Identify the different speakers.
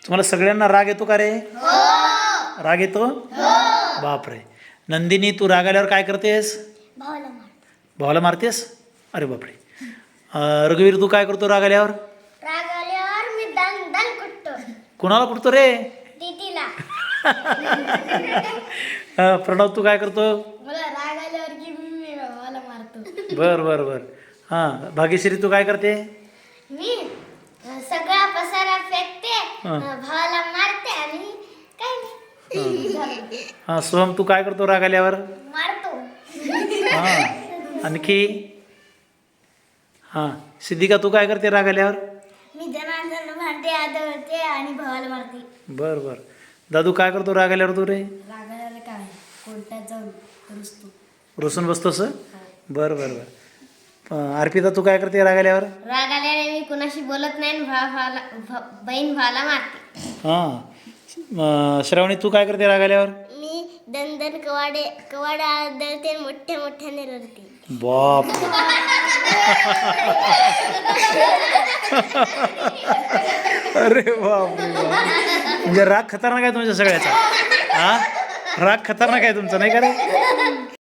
Speaker 1: तुम्हाला सगळ्यांना राग येतो का रे? राग येतो? बापरे. नंदिनी, तू राग आल्यावर काय करतेस? भावाला मारतेस? अरे बापरे. रघुवीर, तू काय करतो राग आल्यावर?
Speaker 2: राग आल्यावर मी दण कुटतो.
Speaker 1: कुणाला कुठतो रे?
Speaker 2: दीदीला.
Speaker 1: प्रणव, तू काय करतो?
Speaker 2: मला राग आल्यावर की मी भावाला मारतो.
Speaker 1: बर बर बर. हां, भाग्यश्री, तू काय करते?
Speaker 2: मी सगळा पसारा फेकते,
Speaker 1: हां.
Speaker 2: भावाला मारते आणि काय नाही.
Speaker 1: हां, सोहम, तू काय करतो राग आल्यावर?
Speaker 2: मारतो.
Speaker 1: हां, आणखी? हां, सिद्धिका, तू काय करते राग आल्यावर?
Speaker 2: मी जनार्दन भांडे आदळते आणि भावाला मारते.
Speaker 1: बर बर. दादू, काय करतो राग आल्यावर तू रे?
Speaker 2: राग आल्यावर काय कोर्टात जाऊन रुसतो.
Speaker 1: रुसून बसतोस? बर बर बर. अर्पिता, तू काय करते राग आल्यावर?
Speaker 2: राग आल्याने मी कुणाशी बोलत नाही आणि बहीण भावाला मारते.
Speaker 1: हां, श्रावणी, तू काय करते राग आल्यावर?
Speaker 2: मी दंदन कवाडे आदळते, मोठ्या मोठ्याने रडते.
Speaker 1: बाप. अरे बाप रे बाप. म्हणजे राग खतरनाक आहे तुमच्या सगळ्याचा. हा, राग खतरनाक आहे तुमचा, नाही का रे?